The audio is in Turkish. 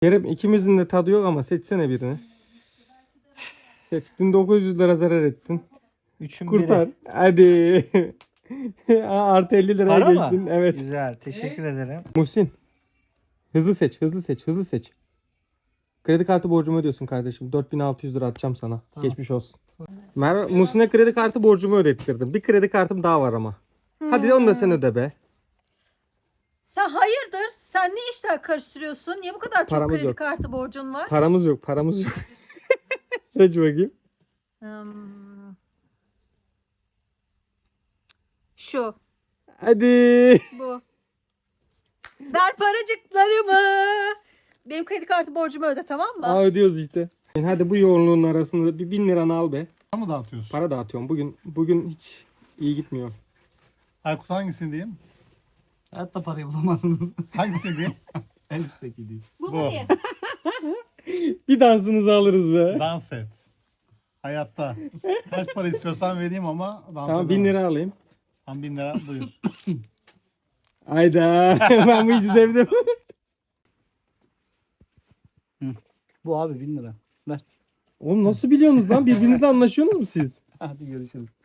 Kerem ikimizin de tadı yok ama seçsene birini. Seç. Dün 900 lira zarar ettin. Üçün Kurtar. biri. Hadi. Artı 50 liraya Para geçtin. mı? Evet. Güzel. Teşekkür ederim. Muhsin. Hızlı seç. Hızlı seç. Hızlı seç. Kredi kartı borcumu ödüyorsun kardeşim. 4600 lira atacağım sana. Tamam. Geçmiş olsun. Muhsin'e kredi kartı borcumu ödettirdim. Bir kredi kartım daha var ama. Hadi onu da sen öde be. Sen hayırdır? Sen ne işler karıştırıyorsun? Niye bu kadar çok Paramız kredi yok. kartı borcun var? Paramız yok. Paramız yok. Seç bakayım. Şu. Hadi. Bu. Ver paracıklarımı. Benim kredi kartı borcumu öde, tamam mı? Aa, ödüyoruz işte. Hadi bu yoğunluğun arasında bir 1000 liranı al be. Para mı dağıtıyorsun? Para dağıtıyorum. Bugün hiç iyi gitmiyor. Aykut hangisini diyeyim? Hayatta parayı bulamazsınız. Hangisini diyeyim? En üstteki değil. Bu Bu. mu diye? Bir dansınızı alırız be. Dans et. Hayatta. Kaç para istiyorsan vereyim ama dans Tamam 1000 lira alayım. Tam 1000 lira buyur. Hayda. Ben bu işi sevdim. Bu abi 1000 lira. Ver. Oğlum nasıl biliyorsunuz lan? Birbirinizle anlaşıyorsunuz mu siz? Hadi görüşürüz.